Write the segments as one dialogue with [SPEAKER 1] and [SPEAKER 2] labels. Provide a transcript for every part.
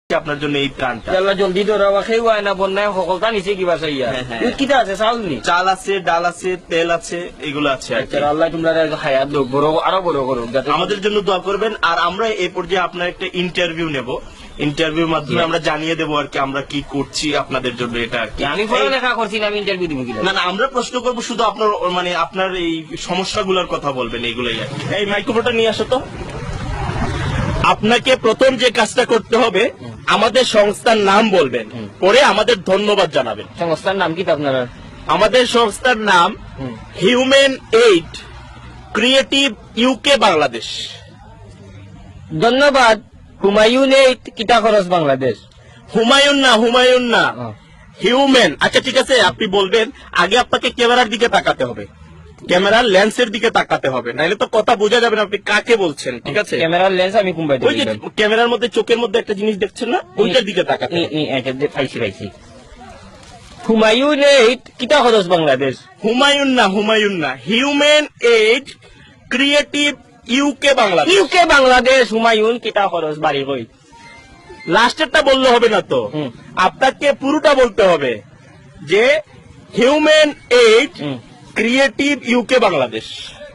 [SPEAKER 1] আপনার জন্য এই ত্রাণটা।
[SPEAKER 2] আল্লাহ জলদি ধরা খেয়ে হয় না বন্যায় সকলটা নিচে কিবা চাইয়া কিটা আছে চাউল নি
[SPEAKER 1] চাল আছে, ডাল আছে, তেল আছে, এগুলো আছে।
[SPEAKER 2] আল্লাহ তোমরা হায়াত লোক বড় আরো বড় করুক,
[SPEAKER 1] আমাদের জন্য দোয়া করবেন। আর আমরা এই পর্যায়ে আপনার একটা ইন্টারভিউ নেব, ইন্টারভিউর মাধ্যমে আমরা জানিয়ে দেবো আর কি আমরা কি করছি আপনাদের জন্য। এটা আর কি
[SPEAKER 2] আমি পড়ালেখা করছি না, আমি ইন্টারভিউ দিব কিনা?
[SPEAKER 1] না, আমরা প্রশ্ন করবো শুধু আপনার মানে আপনার এই সমস্যাগুলোর কথা বলবেন, এইগুলাই আর কি। এই মাইক্রোফোনটা নিয়ে আসো তো। আপনাকে প্রথম যে কাজটা করতে হবে, আমাদের সংস্থার নাম বলবেন, পরে আমাদের ধন্যবাদ জানাবেন।
[SPEAKER 2] সংস্থার নাম কি আপনারা?
[SPEAKER 1] আমাদের সংস্থার নাম human aid creative UK Bangladesh.
[SPEAKER 2] ধন্যবাদ। হুমায়ুন এইড কিতা খরচ বাংলাদেশ।
[SPEAKER 1] হুমায়ুন না হিউম্যান। আচ্ছা ঠিক আছে, আপনি বলবেন। আগে আপনাকে ক্যামেরার দিকে তাকাতে হবে, ক্যামেরার লেন্সের দিকে তাকাতে হবে, নাহলে তো কথা বোঝা যাবে না আপনি কাকে বলছেন। ঠিক আছে,
[SPEAKER 2] ক্যামেরার লেন্স আমি কুম্বাই
[SPEAKER 1] ওই যে ক্যামেরার মধ্যে চোখের মধ্যে একটা জিনিস দেখছেন না, ওইটার দিকে তাকাতে হবে।
[SPEAKER 2] পাইছি। হুমায়ুন এইড কিতা খরচ বাংলাদেশ।
[SPEAKER 1] হুমায়ুন না human aid creative UK Bangladesh.
[SPEAKER 2] UK Bangladesh Humayun কিতা খরচ বাড়ি কই।
[SPEAKER 1] লাস্টেরটা বললে হবে না তো, আপনাকে পুরোটা বলতে হবে যে human aid creative UK Bangladesh.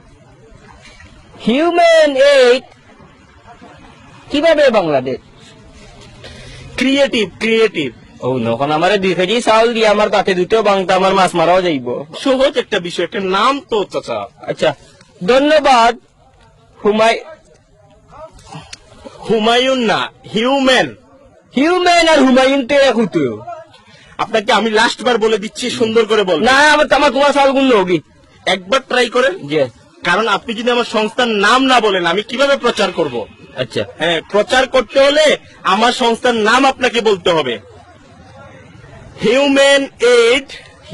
[SPEAKER 2] Human aid কিভাবে বাংলাদেশ
[SPEAKER 1] ক্রিয়েটিভ।
[SPEAKER 2] ও নখন আমার 2 কেজি চাউল দিয়ে আমার তাতে দুটো বাংটা আমার মাছ মারাও যাইব।
[SPEAKER 1] সহজ একটা বিষয়, একটা নাম তো চাচা।
[SPEAKER 2] আচ্ছা ধন্যবাদ।
[SPEAKER 1] হুমায়ুন না হিউম্যান
[SPEAKER 2] আর হুমায়ুন তে কুতো।
[SPEAKER 1] আপনাকে আমি লাস্ট বার বলে দিচ্ছি, সুন্দর করে বল।
[SPEAKER 2] না আমার তোমার চাউল গুণ হোক
[SPEAKER 1] একবার ট্রাই করেন,
[SPEAKER 2] যে
[SPEAKER 1] কারণ আপনি যদি আমার সংস্থার নাম না বলেন আমি কিভাবে প্রচার করব।
[SPEAKER 2] আচ্ছা
[SPEAKER 1] হ্যাঁ, প্রচার করতে হলে আমার সংস্থার নাম আপনাকে বলতে হবে। Human aid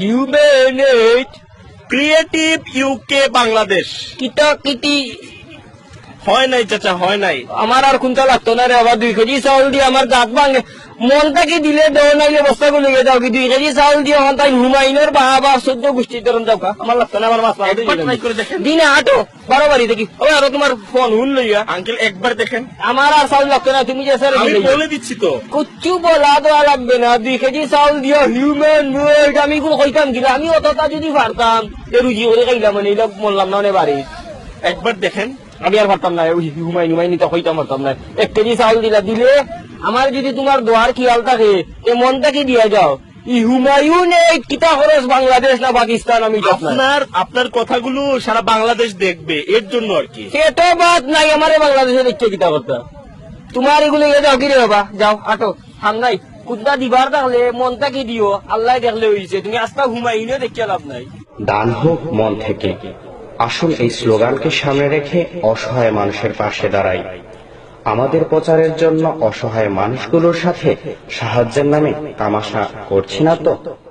[SPEAKER 1] creative UK Bangladesh.
[SPEAKER 2] কিতা কিতি
[SPEAKER 1] হয় নাই চাচা, হয় নাই।
[SPEAKER 2] আমার আর কোনটা লাগতো না রে। আবার 2 কেজি চাউল দিয়ে আমার দাঁত ভাঙে। মনটাকে দিলে দেও নাইলে বস্তা গুলো যাও কি 2 কেজি চাউল দিয়ে হন তাই হুমায়ুনের বাবা 14 গোষ্ঠীর ধরন যাও কা। আমার লাগতো না, আমার মাছ
[SPEAKER 1] ট্রাই করে দেখেন।
[SPEAKER 2] দিনে আটো 12 বাড়ি দেখি ওই আর তোমার ফোন হুন লইয়া
[SPEAKER 1] আঙ্কেল একবার দেখেন।
[SPEAKER 2] আমার আর চাউল লাগতো না, তুমি যে স্যার
[SPEAKER 1] আমি বলে দিচ্ছি তো।
[SPEAKER 2] কুচ্ছু বলা দেওয়া লাগবে না। 2 কেজি চাউল দিয়ে হিউম্যান ওয়েড আমি কোন কইতাম কিনা। আমি অতটা যদি পারতাম রুজি করে খাইলাম মানে এগুলো বললাম না অনেক বাড়ি।
[SPEAKER 1] একবার দেখেন।
[SPEAKER 2] আমি আর পারতাম না হুমায়ুন তো হইতাম পারতাম না। 1 কেজি চাউল দিলে আমার যদি তোমার দোয়ার খেয়াল থাকে এ মনটাকে দিয়ে যাও। হুমায়ুন এই কিতা খরচ বাংলাদেশ না পাকিস্তান আমি
[SPEAKER 1] আপনার কথাগুলো সারা বাংলাদেশ দেখবে, এর জন্য আর কি।
[SPEAKER 2] সেটা বাদ নাই, আমার বাংলাদেশে দেখছে কিতা করতে। তোমার এগুলো যাও কি রে বাবা, যাও আটো ঠান্ডাই কুদ্দা দিবার থাকলে মনটাকে দিও। আল্লাহ দেখলে হয়েছে, তুমি আস্তা হুমায়ুনও দেখিয়ে লাভ নাই।
[SPEAKER 3] দান হোক মন থেকে। আসুন এই স্লোগানকে সামনে রেখে অসহায় মানুষের পাশে দাঁড়াই। আমাদের প্রচারের জন্য অসহায় মানুষগুলোর সাথে সাহায্যের নামে তামাশা করছি না তো।